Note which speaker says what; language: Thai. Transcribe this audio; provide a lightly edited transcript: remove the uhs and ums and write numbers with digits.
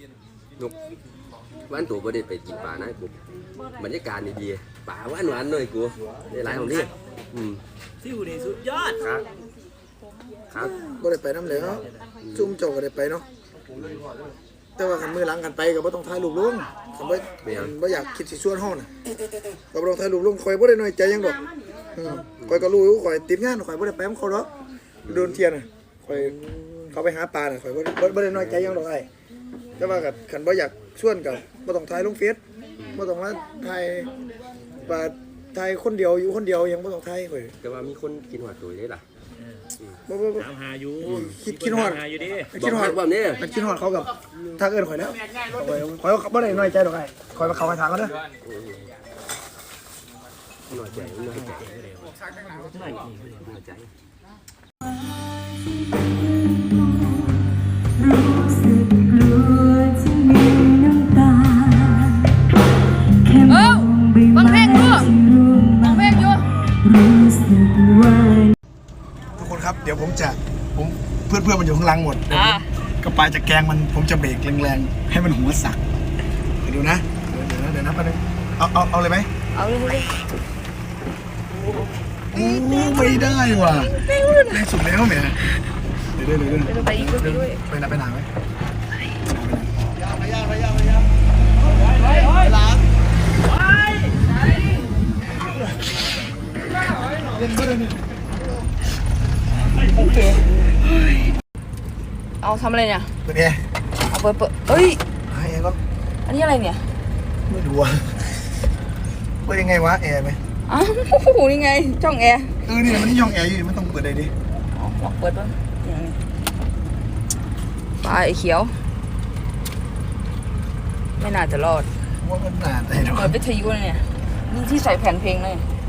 Speaker 1: นกวันตัวบ่ได้ไปกินปลานะกูบรรยากาศดีๆปลาหวานๆหน่อยกูได้หลายของนี่
Speaker 2: ซิวนี่สุดยอด
Speaker 1: ครับ
Speaker 3: บ่ได้ไปน้ำเหลวซุ่มเจ้าก็ได้ไปเนาะแต่ว่าคันมือหลังกันไปก็บ่ต้องถ่ายรูปลงคันบ่อยากคิดสิชวนเฮาน่ะก็บ่ต้องถ่ายรูปลงข่อยบ่ได้น้อยใจหยังดอกข่อยก็รู้ข่อยติดงานข่อยบ่ได้ไปนํเขาดอกโดนเที่ยน่ะข่อยเขาไปหาปลาน่ะข่อยบ่ได้น้อยใจหยังดอกไอ้แต่ว่าคันบ่อยากชวนก็บ่ต้องถ่ายลงเฟซบ่ต้องมาถ่ายปลาถ่ายคนเดียวอยู่คนเดียวยังบ่ต้องถ่ายข่อย
Speaker 1: แต่ว่ามีคนกินหัวตัวได้ล่ะ
Speaker 3: บ่
Speaker 2: ถามหาอยู่
Speaker 3: คิดฮอด
Speaker 2: อยู่ดิ
Speaker 3: คิดฮอด
Speaker 1: แบบนี้
Speaker 3: คิดฮอดเขากับทักเอิ้นข่อยแล้วข่อยบ่ได้น้อยใจดอกไอ้ข่อยมาเข้าไปทางเขาเด้อ
Speaker 1: น้อยใจ
Speaker 4: รู้สึกกลัวที่มีน้ำตาแค่มองใบไม้ที่ร่วงมารู้สึกว่า
Speaker 3: ทุกคนครับเดี๋ยวผมเพื่อนมันอยู่ข้างล่างหมดกระปายจะแกงมันผมจะเบรกแรงๆให้มันหัวสักดูนะเดี๋ยวนะแป๊บนึงเอาเลยไหม
Speaker 4: เอาเลย
Speaker 3: ไม่ได้ว่ะแรงสุดแล้วแหมเดี๋ยว
Speaker 4: ไปอีกด้วย
Speaker 3: ไปหนาไหม
Speaker 4: โอเคเอาทำอะไรเนี่ย
Speaker 3: เปิดแอร์
Speaker 4: เอาเปิดเอ้ย
Speaker 3: ให้แอร์ก็
Speaker 4: อันนี้อะไรเนี่ย
Speaker 3: ไม่รู้อ่ะเปิดยังไงวะแอร์ไหม
Speaker 4: อ้าวโหนี่ไงช่องแอร์
Speaker 3: นี่มันนี่ช่องแอร์อยู่มันต้องเปิดอะไรดิ
Speaker 4: ลองเปิดบ้างปลาไอ้เขียวไม่น่าจะรอด
Speaker 3: ว่ามันหนาแต่
Speaker 4: เปิดวิทยุเนี่ยนี่ที่ใส่แผ่นเพลงเลย